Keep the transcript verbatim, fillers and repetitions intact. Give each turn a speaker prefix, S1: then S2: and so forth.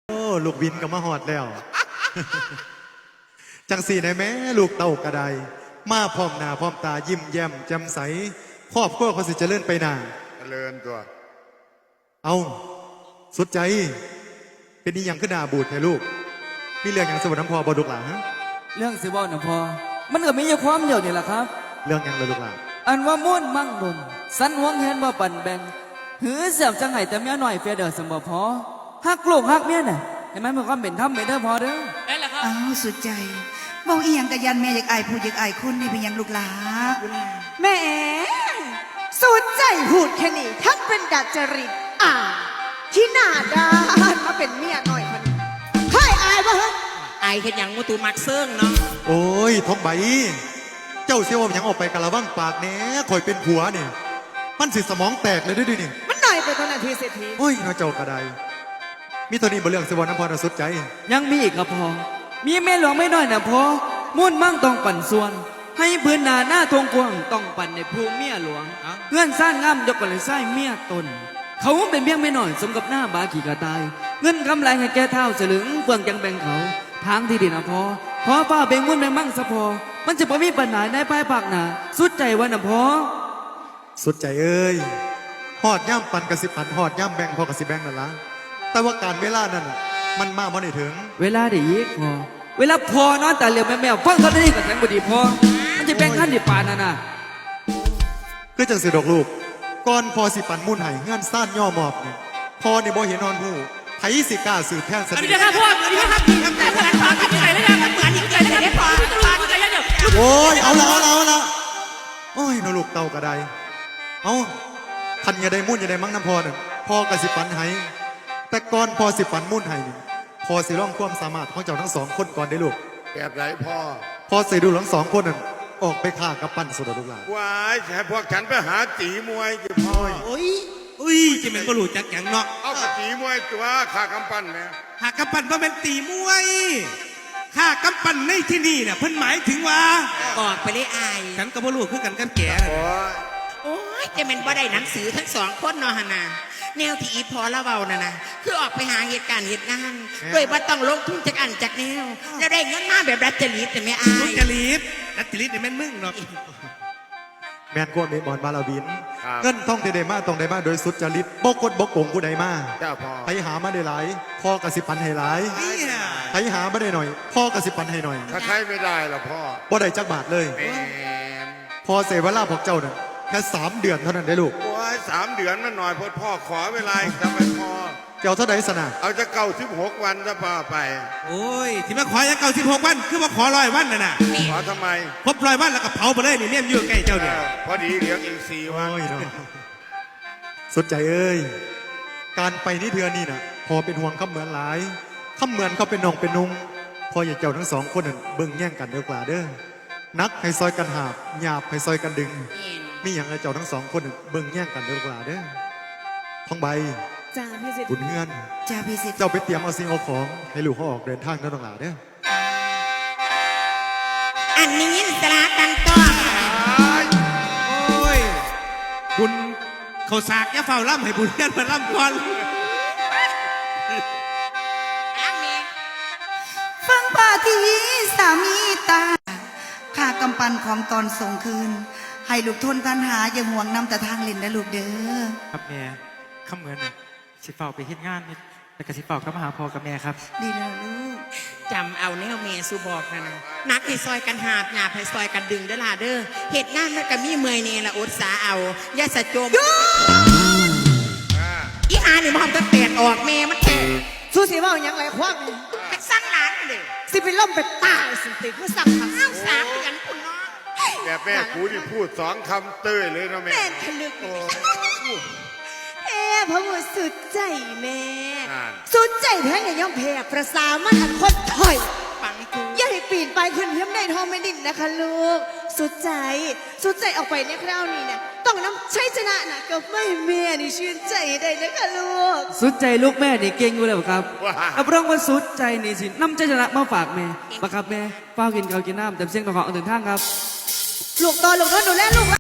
S1: โอ้ลูกวินก็มาหอดแล้ว จังสีในแม่ลูกเต่ากระไดมาพร้อมหน้าพร้อมตายิ้มแย้มแจ่มใสครอบครัวเขาสิเจริญไปหน้า
S2: เจริญตัว
S1: เอาสุดใจเป็นนี่ยังขึ้นหน้าบูดให้ลูกมีเรื่องอย่างสวรรค์น้ำพอบอดุกหลาฮะ
S3: เรื่องสิบวันนะพอมันก็มีอยู่ความเดียวนี่แหละครับ
S1: เรื่องอย่างเลยลูกหลา
S3: อันว่ามุ่นมั่งดนสันหวงเห็นว่าปั่นแบงหือเสียบจังไห้แต่เมียหน่อยเฟียเดอร์สมบพอฮักลูกฮักเมียน่ะเห็นไหมมันก็เป็นทำไม่ได้พอเด้อ
S4: ได้แล้วครับ
S5: อ้าวสุดใจบอกอีหยังกะยันแม่อยากอายผู้อยากอายคนนี่เป็นหยังลูกหลา
S4: แหม่สุดใจพูดแค่นี้ทั้งเป็นดัดจริตอ่าที่หน้าด้านมาเป็นเมียหน่อยคนใครอายบ้าง
S6: อายเห็นอย่างมูตูมักเซิงเนาะ
S1: โอ้ยทองใบเจ้าเสียวยังออกไปกะละว่างปากแหน่คอยเป็นผัวเนี่ยมันสิสมองแตกเลยด้วยดินี่
S4: มันหน่อยไปคนนาทีเศรษฐี
S1: โอ้ยน้าเจ้ากระไดมีตัวนี้บนเรื่องสวรรค์น้ำพอนะสุดใจ
S3: ยังมีอีกครับพอมีแม่หลวงไม่น้อยนะพอมุ่นมั่งต้องปั่นส่วนให้พื้นนาหน้าทงกวางต้องปั่นในภูเมียหลวงเงื่อนสร้างงามยกกันเลยไส้เมียตนเขาเป็นเพียงไม่น้อยสมกับหน้าบาขี่กระตายเงินกำไรให้แก่เท่าเสลึงเฟื่องจังแบ่งเขาทางที่ดินนะพอพอป้าเบ่งมุ่นแบ่งมั่งสะพอมันจะพอมีปัญหาในภายภาคหน้าสุดใจวันนะพอ
S1: สุดใจเอ้ยหอดย่ำปันกระสิปันหอดย่ำแบ่งพอกระสิแบ่งนั่นละแต่ว่าการเวลานั้นมันมาบ่ได้ถึง
S3: เวลาได้ยิกพอเวลาพอนอนแต่เหลียวแม่แมวฟังเท่านี้กับแสงบดีพอมันจะแบ่งขั้นดิปานน่ะนะ
S1: คือจังสิดอกลูกก่อนพอสิปันมุ่นไห้เงื่อนซ่านย่อหมอบนี่พอนี่บ่เห็นนอนผู้ไผสิกล้าสืบแทนสนิท
S6: อันนี้นะครับพ่ออันนี้นะครับเหมือนเหมือนพ่อที่ไหนแล้วนะเหมือนที่ไหนแล้วนะพ่อที่ไหนแล้วเนี่ย
S1: โอ้ยเอาละเอาละเอาละโอ้ยนลูกเต่ากระไดเอาทันอย่าได้มุ่นอย่าได้มั่งน้ำพอเนี่ยพอกระสิปันไห้แต่ก่อนพอสิปันมุ่นไห้นี่พอสิร่องความสามารถของเจ้าทั้งสองคนก่อนได้ลูก
S2: แบบไรพ่อ
S1: พอสิดูทั้งสองคนนั่นออกไปฆ่ากับปั้นสุดลูกหลาน
S2: ว้ายแค่พวกฉันไปหาตีมวยจะพ่อ
S6: โอ้ยอุ้ยจะเป็นบรูจักอย่างเนาะ
S2: เอากระตีมวยตัวขากำปั้นเนี่ย
S6: หากำปั้นว่าเป็นตีมวยข้ากำปั้นในที่นี่เนี่ยเพิ่นหมายถึงว่า
S7: บอกไปเลยอาย
S6: ฉันกับบรูคือกันกันแก่
S2: โอ้ย
S7: โอ้ยจะเป็นบ่ได้หนังสือทั้งสองคนเนาะฮะนะแนวที่อีพอละเบาน่ะนะคือออกไปหาเหตุการณ์เหตุงานโดยว่าต้องลงทุนจากอันจากแนวแล้วได้เงินมาแบบรัตจริตแต่ไม่อาย
S6: รัตจริตรัตจริตเนี่ยแม่นมึงเนาะ
S1: แมนกวนเมบอนบาลาบินเงินท่องได้มาต้องได้มาโดยสุดจริตบกกดบกโกงผู้ใดมาไปหามาได้หลายพ่อกระสิปันให้หลายไปหามาได้หน่อยพ่อกระสิปันให้หน่อย
S2: ถ้าใช้ไม่ได้หรอพ่อ
S1: บ่ได้จักบาทเลยพอเสวลาพวกเจ้าเนี่ยแค่สามเดือนเท่านั้นได้ลูก
S2: โอ้ยสามเดือนมันหน่อยพอพ่อขอเวลาทำไมพ่อ
S1: เจ้าเท่าไหร่สนะ
S2: เอาจะเก่าสิบหกวันจะพาไป
S6: โอ้ยที่มาขอจะเก่าสิบหกวันคือมาขอร้อยวันน่ะนะ
S2: ขอทำไม
S6: ครบร้อยวันแล้วก็เผาไปเลยนี่เนี่ยอยู่ใกล้เจ้าเนี่ย
S2: พอดีเหลืออีกสี่วัน
S1: สุดใจเอ้ยการไปนี่เทือนี่น่ะพอเป็นห่วงข้าเหมือนหลายข้าเหมือนเขาเป็นน้องเป็นนุ่งพออย่าเจ้าทั้งสองคนนั่นเบิ่งแย่งกันเด้อกว่าเด้อนักให้ซอยกันหาบหยาบให้ซอยกันดึงมีอย่างไรเจ้าทั้งสองคนเบิ่งแย่งกันเด้อกว่าเด้อท้องใบ
S4: จ้าพี่สิทธิ์
S1: บุญเงื่อน
S5: จ้าพี่สิทธิ์
S1: เจ้าไปเตรียมเอาสิ่งเอาของให้ลูกเขาออกเดินทางนั่นต่างหลาเด้อ
S7: อันนี้สลาตันต้อ
S6: โอ้ยบุญเขาสากยาเฝ้าล่ำให้บุญเงื่อนมาล่ำก่อน
S5: ฟังปาทีสามีตาข้ากำปั้นของตอนส่งคืนให้ลูกทนทันหาอย่าห่วงนำแต่ทางเล่นนะลูกเด้อ
S3: ครับแม่ข้าเหมือนสิเฝ้าไปเฮ็ดงานแต่กสิเฝ้าก็มาหาพ่อกับแม่ครับ
S5: ดีแล้วลูก
S7: จำเอาแนวเมสุบอกนะนะนักให้ซอยกันหาบหยาบให้ซอยกันดึงเด้อล่ะเด้อเหตุงานมันก็มีเมื่อยเนี่ยละอดสาเอาอย่าสะโจมอีหานี่มันจะแตกออกแม่มันแตก
S4: สู้สิว่าอย่างไรควัก
S7: ไปสร้างหลานเลย
S4: สิเป็นล่มเป็นตายสิติคือสั่ง
S7: ทางสามเดือนคุณน้อง
S2: แม่แม่กูที่พูดสองคำเต้ยเลยนะแม่
S4: แม่ทะลึกเอ๊ะพระบุตรสุดใจแม่สุดใจแท้เนี่ยย่อมแพ้ประสามันอันคนถอย
S7: ปังกู
S4: อย่าให้ปีนไปขึ้นเทียมในทองไม่ดิ่นนะคะลูกสุดใจสุดใจออกไปในคราวนี้เนี่ยต้องน้ำใช้ชนะนะกับไม่แม่นี่ชื่นใจได้นะคะลูก
S3: สุดใจลูกแม่นี่เก่งอยู่แล้วครับรับรองว่าสุดใจนี่สิน้ำใจชนะมาฝากแม่ปะครับแม่เฝ้ากินข้าวกินน้ำแต่เสียงของของอื่นทางครับ
S4: ลูกต่อลูกต่อดูแลลูก